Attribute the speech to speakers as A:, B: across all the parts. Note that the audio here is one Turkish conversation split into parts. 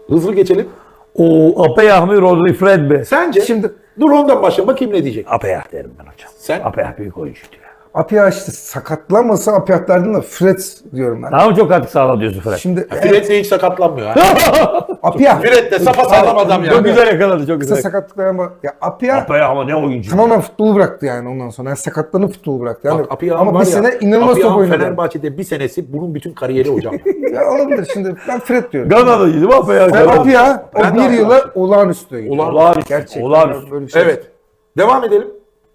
A: Hızlı geçelim.
B: O Apeyah mı Rodri Fred mi?
A: Sence?
C: Şimdi
A: Dur ondan başla. Bakayım ne diyecek.
B: Apeyah derim ben hocam.
A: Sen?
B: Apeyah büyük oyuncuydu ya.
C: Apia işte sakatlanmasa Apia'lardan da Fred diyorum ben.
B: Daha mı çok katkı sağladı diyorsun Fred?
C: Şimdi
A: Fred de hiç sakatlanmıyor. Ha?
C: Apia
A: Fred de sapasağlam adam ya.
B: Çok güzel yakaladı, çok
C: kısa
B: güzel.
C: sakatlıklar ama ya Apia
B: Apeyah ama ne oyuncu.
C: tamamen futbolu bıraktı yani ondan sonra. Yani sakatlanıp futbolu bıraktı. Yani,
A: Bak, Apia
C: ama
A: var
C: bir
A: ya,
C: sene inanılmaz top
A: Apia
C: oynadı.
A: Fenerbahçe'de bir senesi bunun bütün kariyeri hocam.
C: Ya olabilir şimdi ben Fred diyorum.
B: Gana'daydı değil mi Apeyah?
C: Ben Apia o
A: Ben de
C: bir
A: Apia.
C: yıla olağanüstü.
B: Olağanüstü.
C: Gerçekten
B: Olağanüstü.
C: böyle bir şey.
A: Evet. Devam edelim.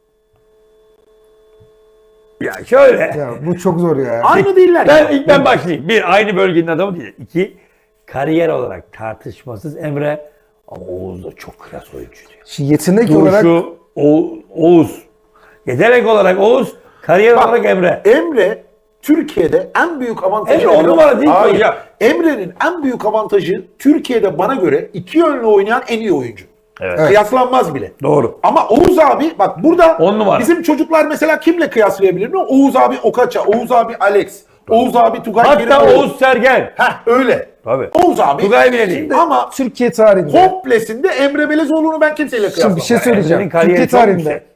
B: Ya şöyle.
C: Ya bu çok zor ya.
A: Aynı değiller.
B: Ben başlayayım. Bir, aynı bölgenin adamı değil. İki, kariyer olarak tartışmasız Emre. Ama Oğuz da çok klas oyuncuydu.
C: Şimdi yetenek olarak
B: Duruşu, Oğuz. Yetenek olarak Oğuz, kariyer
A: Bak,
B: olarak Emre.
A: Emre Türkiye'de en büyük avantajı...
B: Emre on numara değil mi
A: Hayır.
B: hocam?
A: Emre'nin en büyük avantajı Türkiye'de bana göre iki yönlü oynayan en iyi oyuncu.
B: Evet.
A: Kıyaslanmaz bile.
B: Doğru.
A: Ama Oğuz abi bak burada
B: 10 numara.
A: bizim çocuklar mesela kimle kıyaslayabilir mi? Oğuz abi Okaça, Oğuz abi Alex, Oğuz abi Tugay
B: Hatta
A: Kerimoğlu.
B: Oğuz Sergen.
A: Heh öyle.
B: Tabii.
A: Oğuz abi.
B: Tugay bile değil.
A: Ama
C: Türkiye tarihinde.
A: komplesinde Emre Belezoğlu'nu ben kimseyle
C: Şimdi
A: kıyaslamam.
C: bir şey söyleyeceğim.
B: Emre'nin kariyeri
C: Türkiye
B: çok
C: tarihinde
B: yüksek.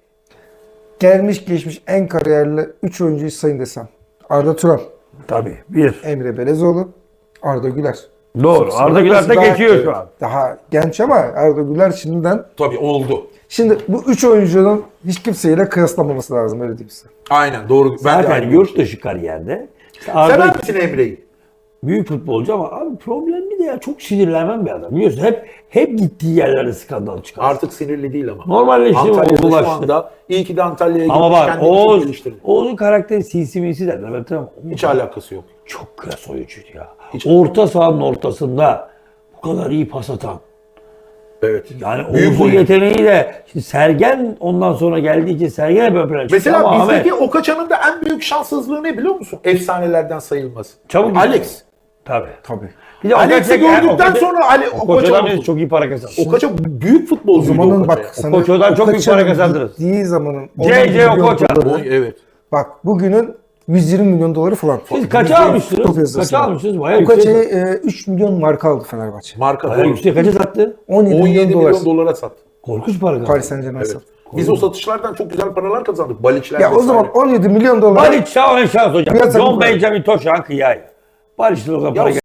C: gelmiş geçmiş en kariyerli 3 oyuncuyu sayın desem. Arda Turan,
B: Tabii. Bir.
C: Emre Belezoğlu, Arda Güler.
B: Doğru. Arda Güler de
C: Daha-
B: geçiyor şu an.
C: Daha genç ama Arda Güler şimdiden.
A: Tabii oldu.
C: Şimdi bu 3 oyuncunun hiç kimseyle kıyaslanmaması lazım öyle diyeyim size.
A: Aynen doğru. Ben de
B: Zaten
A: aynı
B: yurt dışı kariyerde. İşte
A: Sever
B: Arda
A: misin Emre'yi?
B: büyük futbolcu ama abi problemli de ya çok sinirlenmem bir adam. Biliyorsun hep gittiği yerlerde skandal çıkar.
A: Artık sinirli değil ama.
B: Normalleşti,
A: Antalya'da şu
B: olgulaştı.
A: anda iyi ki de Antalya'ya
B: Ama
A: gitmiş,
B: bak
A: kendini çok geliştirdi.
B: Oğuz'un karakteri sinsi minsi derler. Ben tamam.
A: Hiç alakası yok.
B: Çok klas oyuncuydu ya.
A: Hiç-
B: Orta sahanın ortasında bu kadar iyi pas atan.
A: Evet.
B: Yani
A: Büyük
B: Oğuz'un
A: oyuncu.
B: yeteneği de şimdi Sergen ondan sonra geldiği için Sergen hep ön plana çıktı.
A: Mesela
B: Ama
A: bizdeki
B: Ahmet,
A: Okaçan'ın da en büyük şanssızlığı ne biliyor musun? Efsanelerden sayılması.
B: Çabuk
A: Alex.
B: Tabii.
C: Tabii.
B: Bir de
A: Alex'i gördükten sonra
B: Koço'dan
A: Okaçan
B: çok iyi para kazandı.
A: Okaça büyük futbolcuydu
C: Zamanın
A: Okaça.
C: bak sana
B: Koço'dan çok büyük
C: Okaçan'ın
B: para kazandırırız.
C: gittiği zamanın
B: C.C.
C: 10 milyon
B: Okocha.
C: doları,
A: Evet.
C: bak bugünün 120 milyon doları falan.
B: Siz kaça
C: Futbol
B: almıştınız?
C: piyasasında.
B: Kaça almışsınız? Bayağı
C: Okacha'yı
B: yüksek.
C: 3 milyon marka aldı Fenerbahçe.
A: Marka
B: Bayağı
A: doğru.
B: yüksek. Kaça sattı?
C: 17
A: 17
C: milyon dolar.
A: milyon dolara sattı.
B: Korkunç para kazandı.
C: Paris Saint Germain
A: Evet.
C: sattı.
A: Biz o satışlardan çok güzel paralar kazandık. Balikçiler
C: Ya o
A: vesaire.
C: zaman 17 milyon dolar.
B: Barış şans hocam.
C: Piyasa
B: John
C: bu.
B: Benjamin Toşan kıyay. Barış'ın o zaman para